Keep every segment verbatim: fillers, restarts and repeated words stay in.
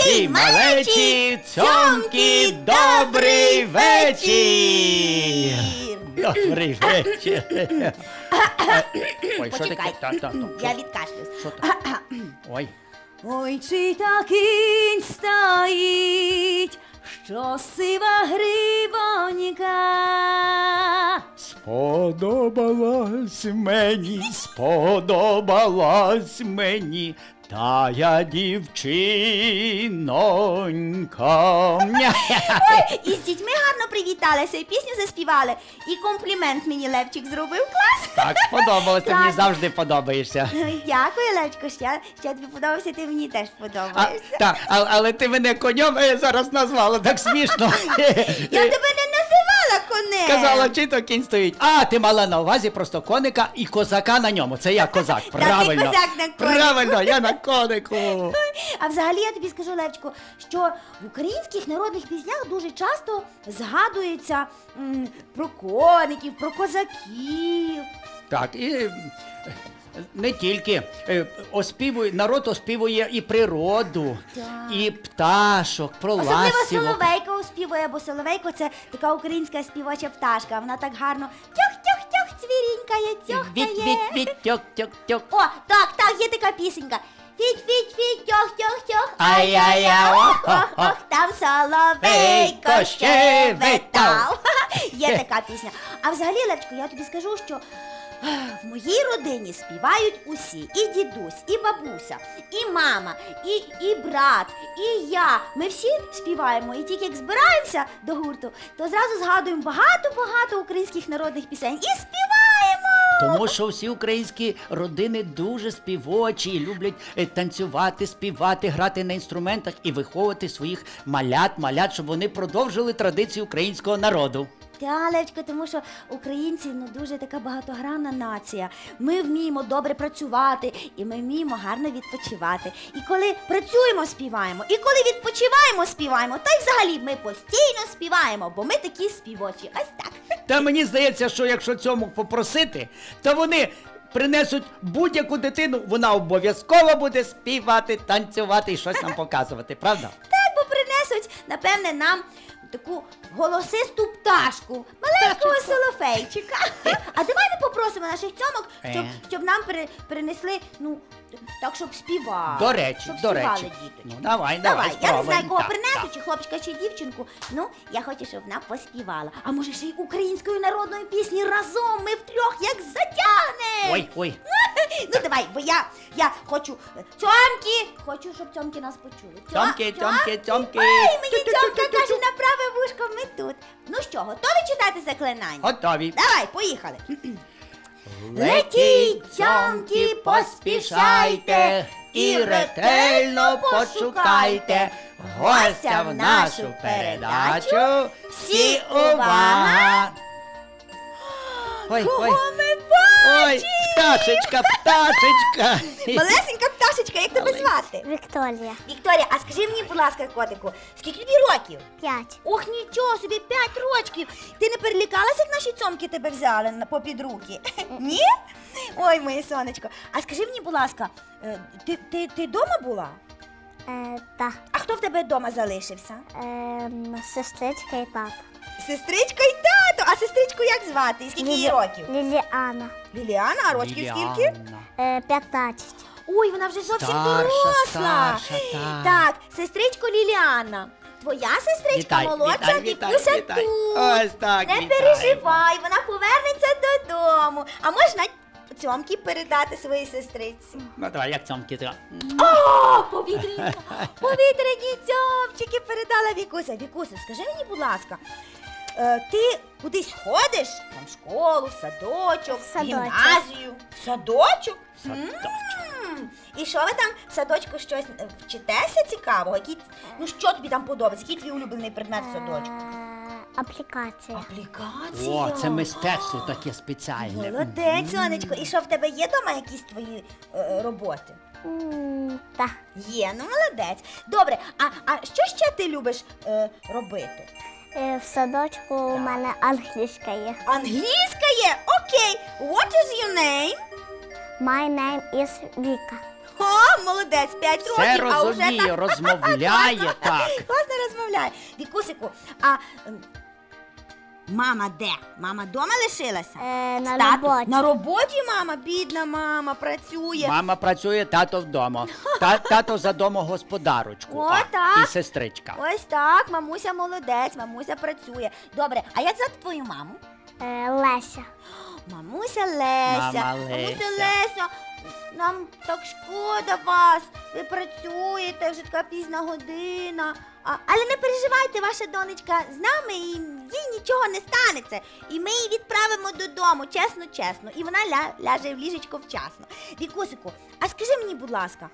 Великі, малечі, цьомкі, добрий вечір! Добрий вечір! Ой, що Почекай, таке? Та, та, та, я що- відкашлюсь. Що там? Ой. Ой, чи та кінь стоїть, що сива грибонька. Сподобалась мені, сподобалась мені тая дівчинонька. Ой, і з дітьми гарно привіталися, і пісню заспівали, і комплімент мені Левчик зробив, клас. Так, сподобалось, ти мені Так. завжди подобаєшся. Ой, дякую, Левчику, ще, ще тобі подобався, ти мені теж А, подобаєшся. так, а, але ти мене конем е, зараз назвала, так смішно. Я тебе не називала конем. Сказала, чи то кінь стоїть. А, ти мала на увазі просто коника і козака на ньому. Це я козак, ти правильно. козак на конику. Правильно, я на конику. А взагалі я тобі скажу, Левчику, що в українських народних піснях дуже часто згадується м, про коників, про козаків. Так, і е, не тільки. Е, Оспівує, народ оспівує і природу, Так. і пташок, про Особливо ластівок. соловейка оспівує, бо соловейко це така українська співоча пташка. Вона так гарно тьох-тьох-тьох цвірінькає, Від, тьохкає. від, від, тьок, тьок, тьок. О, так, так, є така пісенька. Фіть-фіть-фіть, тьох-тьох-тьох, Ай-яй-яй, ай-яй-ох, ох, ох, ох, там соловейко щебетав. Є така пісня. А взагалі, Левчику, я тобі скажу, що в моїй родині співають усі. І дідусь, і бабуся, і мама, і, і брат, і я. Ми всі співаємо. І тільки як збираємося до гурту, то зразу згадуємо багато-багато українських народних пісень. І співаємо! Тому що всі українські родини дуже співочі і люблять е, танцювати, співати, грати на інструментах і виховувати своїх малят, малят, щоб вони продовжили традицію українського народу. Та, Левчко, тому що українці ну дуже така багатогранна нація. Ми вміємо добре працювати, і ми вміємо гарно відпочивати. І коли працюємо, співаємо, і коли відпочиваємо, співаємо. Та й взагалі ми постійно співаємо, бо ми такі співочі. Ось так. Та мені здається, що якщо цьому попросити, то вони принесуть будь-яку дитину, вона обов'язково буде співати, танцювати і щось нам показувати, правда? Так, бо принесуть, напевне, нам таку голосисту пташку, маленького солофейчика. А давай ми попросимо наших цьомок, щоб, Е. щоб нам при, принесли, ну, так, щоб співали. До речі, щоб до співали речі. діточки. Ну, давай, давай, я не знаю, спробуємо. кого Так, принесуть, так. чи хлопчика, чи дівчинку. Ну, я хочу, щоб вона поспівала. А може ще й українською народною пісні разом ми втрьох як затягнемо. Ой, ой. Ну давай, бо я, я хочу цьомки, хочу, щоб цьомки нас почули. Цьо- Цьомки, цьомки, цьомки. Ой, мені цьомка каже на праве вушко, ми тут. Ну що, готові читати заклинання? Готові. Давай, поїхали. Летіть, цьомки, поспішайте і ретельно пошукайте гостя в нашу передачу. Всі увага! Ой, Кого ой, ми ой, бачимо? пташечка, пташечка. Малесенька пташечка, як тебе звати? Вікторія. Вікторія, а скажи мені, будь ласка, котику, скільки тобі років? П'ять. Ох, нічого собі, п'ять рочків. Ти не перелякалася, як наші цьомки тебе взяли на- попід руки? Ні? Ой, моє сонечко. А скажи мені, будь ласка, е, ти, ти, ти дома була? Е, та. А хто в тебе вдома залишився? Ем, сестричка і тато. Сестричка і тато. А сестричку як звати? І скільки їй років? Ліліана. Ліліана, а рочків скільки? Ліліана. Е, п'ятнадцять. Ой, вона вже зовсім Старша, доросла. старша, так. Так, сестричко Ліліана. Твоя сестричка Вітай, молодша, вітай, вітай, Вікуся вітай. тут. Ось так, Не вітаємо. переживай, вона повернеться додому. А можна цьомки передати своїй сестриці? Ну давай, як цьомки. то- О, повітряні, повітряні цьомчики передала Вікуся. Вікуся, скажи мені, будь ласка, е, ти кудись ходиш? Там в школу, в садочок, в Садочок. гімназію? В садочок? Садочок. М, І що ви там в садочку щось е, вчитеся цікавого? Які, ну що тобі там подобається? Який твій улюблений предмет в садочку? Е, аплікація. Аплікація. О, це мистецтво таке спеціальне. Молодець, сонечко. І що в тебе є вдома якісь твої е, роботи? М, Та. Є, ну молодець. Добре, а, а що ще ти любиш е, робити? Е, в садочку у мене англійська є. Англійська є? Окей. What is your name? My name is Віка. О, О, молодець, п'ять Все років, а вже розуміє, так розмовляє, так. класно розмовляє. Вікусику, а ем, мама де? Мама дома лишилася? Е, на Стати- роботі. На роботі мама, бідна мама, працює. Мама працює, тато вдома. Та, тато за домогосподарочку. О, а, так. І сестричка. Ось так, мамуся молодець, мамуся працює. Добре, а як звати твою маму? Е, Леся. Мамуся Леся. Мама Мамуся Леся. Леся, нам так шкода вас. Ви працюєте, вже така пізна година. А, але не переживайте, ваша донечка з нами, і їй нічого не станеться. І ми її відправимо додому, чесно-чесно. І вона ля, ляже в ліжечко вчасно. Вікусику, а скажи мені, будь ласка,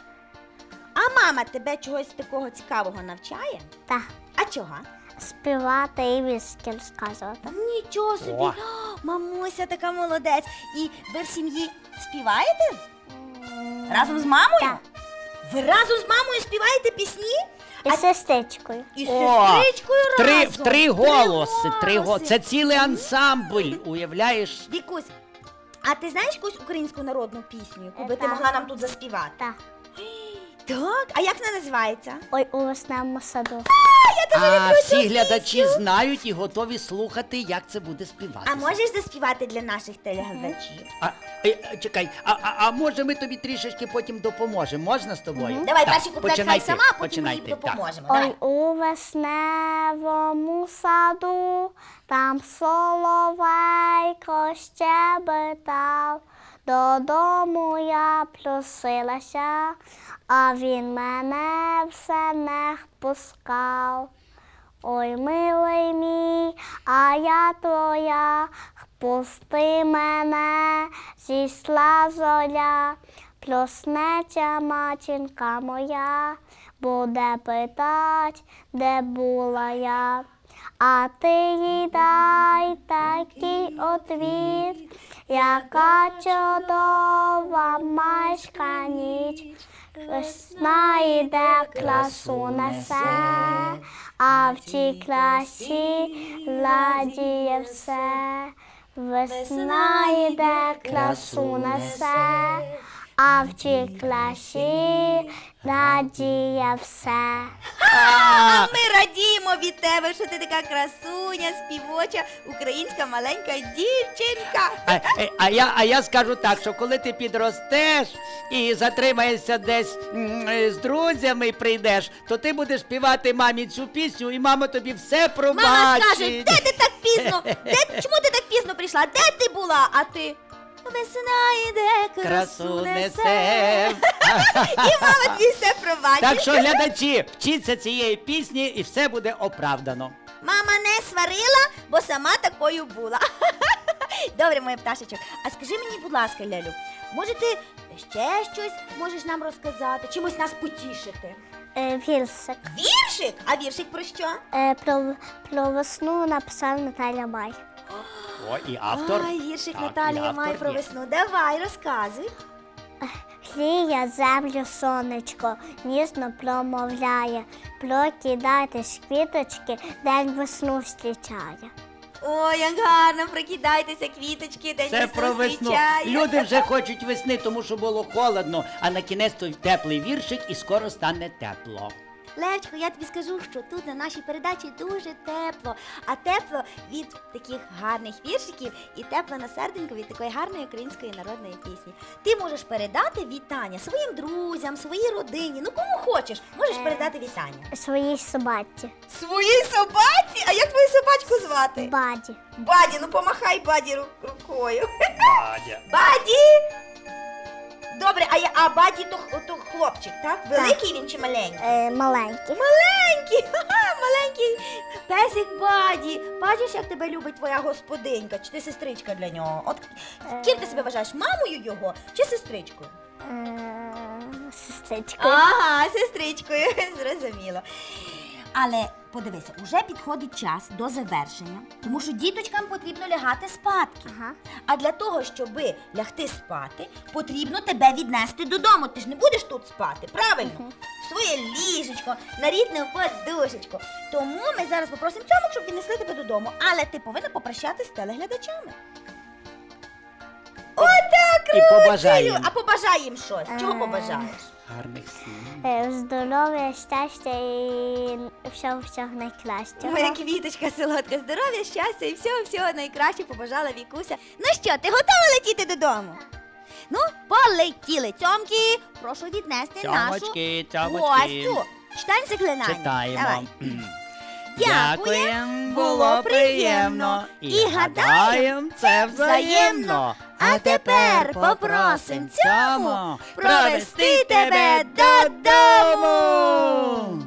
а мама тебе чогось такого цікавого навчає? Та. А чого? Співати і віршки розказувати. Нічого собі, О. О, мамуся така молодець. І ви в сім'ї співаєте? Разом з мамою? Так. Ви разом з мамою співаєте пісні? І з сестричкою. І з О, сестричкою Три, разом? в три голоси, три голоси. голоси. Це цілий ансамбль, уявляєш? Вікусь, а ти знаєш якусь українську народну пісню, яку би Е, ти так. могла нам тут заспівати? Так. Так, а як вона називається? Ой, у весняному саду. А всі глядачі знають і готові слухати, як це буде співатися. А можеш заспівати для наших телеглядачів? А, е, е, чекай, а, а, а може ми тобі трішечки потім допоможемо? Можна з тобою? Давай Так, перший куплет хай починайте, сама, а потім ми їй починайте, так. допоможемо. Ой, Давай. у весневому саду, там соловейко щебетав, додому я просилася, а він мене все не впускав. Ой, милий мій, а я твоя, впусти мене, зійшла зоря, проснеться матінка моя, буде питать, де була я. А ти їй дай такий отвіт, яка чудова майська ніч. Весна йде, красу несе, а в тій красі ладіє все. Весна йде, красу несе, а в тій красі радіє все. А ми радіємо від тебе, що ти така красуня, співоча, українська маленька дівчинка. А, е, а, я, а я скажу так, що коли ти підростеш і затримаєшся десь м, е, з друзями і прийдеш, то ти будеш співати мамі цю пісню, і мама тобі все пробачить. Мама скаже, де ти так пізно? Де, чому ти так пізно прийшла? Де ти була? А ти? Весна йде, красу Красу несе. несе. І мама тобі все пробачить. Так що, глядачі, вчіться цієї пісні і все буде оправдано. Мама не сварила, бо сама такою була. Добре, моя пташечок. А скажи мені, будь ласка, Лялю, може ти ще щось можеш нам розказати? Чимось нас потішити? Е, віршик. Віршик? А віршик про що? Е, про, про весну написав Наталя Май. О, і автор. Ай, віршик Так, і Наталія автор має про є. весну. Давай, розказуй. Гріє землю сонечко, ніжно промовляє, прокидайтесь, квіточки, день весну зустрічає. Ой, як гарно, прокидайтеся, квіточки, день Це про весну. зустрічає. Люди вже хочуть весни, тому що було холодно, а на кінець той теплий віршик і скоро стане тепло. Левчику, я тобі скажу, що тут на нашій передачі дуже тепло, а тепло від таких гарних віршиків і тепло на серденько від такої гарної української народної пісні. Ти можеш передати вітання своїм друзям, своїй родині, ну кому хочеш, можеш Е. передати вітання. Своїй собаці. Своїй собаці? А як твою собачку звати? Баді. Баді, ну помахай Баді ру- рукою. Бадя. Баді! Добре, а, я, а Баді то, х- то хлопчик, так? Великий він чи маленький? Е, маленький. Маленький, ха-ха, маленький песик Баді. Бачиш, як тебе любить твоя господинька, чи ти сестричка для нього? От ким ти себе вважаєш, мамою його чи сестричкою? Е, сестричкою. Ага, сестричкою, зрозуміло. Але подивися, уже підходить час до завершення, тому що діточкам потрібно лягати спадки. Ага. А для того, щоб лягти спати, потрібно тебе віднести додому. Ти ж не будеш тут спати, правильно? Мгм. В своє ліжечко, на рідну подушечку. Тому ми зараз попросимо цьому, щоб віднесли тебе додому. Але ти повинна попрощатися з телеглядачами. Отак, І побажаємо. А побажай їм щось. Чого Е. побажаєш? Гарних сім. Е, Здоров'я, щастя і всього-всього найкращого. Моя квіточка солодка, здоров'я, щастя і всього-всього найкраще побажала Вікуся. Ну що, ти готова летіти додому? Ну, полетіли. Цьомки, прошу віднести Цьомочки, нашу цьомочки. гостю. Читаємо заклинання. Читаємо. Давай. Дякуєм, було приємно. І гадаєм, це взаємно. А тепер попросим цьому провести тебе додому.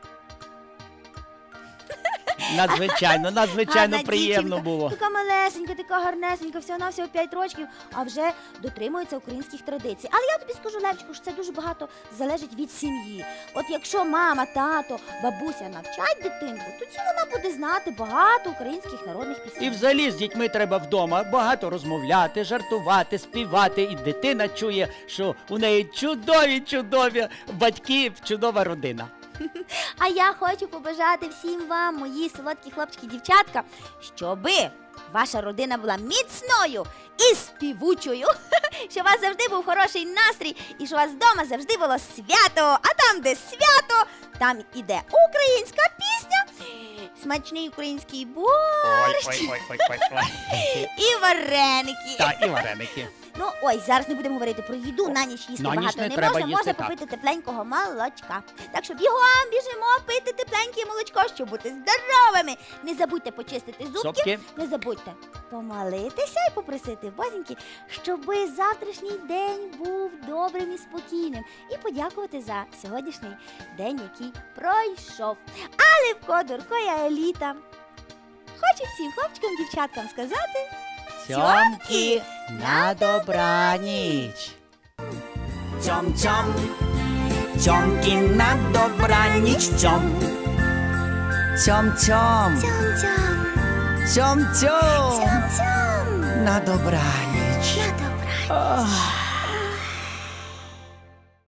Надзвичайно, надзвичайно Гарна приємно дівчинка, було. Така малесенька, така гарнесенька, всього-навсього п'ять років, а вже дотримується українських традицій. Але я тобі скажу, Левчику, що це дуже багато залежить від сім'ї. От якщо мама, тато, бабуся навчать дитинку, тоді вона буде знати багато українських народних пісень. І взагалі з дітьми треба вдома багато розмовляти, жартувати, співати. І дитина чує, що у неї чудові-чудові батьки, чудова родина. А я хочу побажати всім вам, мої солодкі хлопчики, дівчатка, щоби ваша родина була міцною і співучою, щоб у вас завжди був хороший настрій і щоб у вас вдома завжди було свято. А там, де свято, там іде українська пісня, смачний український борщ Ой-ой-ой-ой-ой. і вареники. Так, і вареники. Ну, ой, зараз не будемо говорити про їду, на ніч їсти На ніч багато не не, треба можна, їсти, можна так. попити тепленького молочка. Так що бігом біжимо пити тепленьке молочко, щоб бути здоровими. Не забудьте почистити зубки, Зубки. не забудьте помолитися і попросити в бозіньки, щоби завтрашній день був добрим і спокійним. І подякувати за сьогоднішній день, який пройшов. А Левко, Дурко і Еліта хочу всім хлопчикам, дівчаткам сказати Цьомки, на добраніч. Цьом-цьом, цьомки, на добраніч, цьом. Цьом-цьом, Цьом-цьом, цьом-цьом, цьом-цьом, на добраніч. на добраніч. Ах.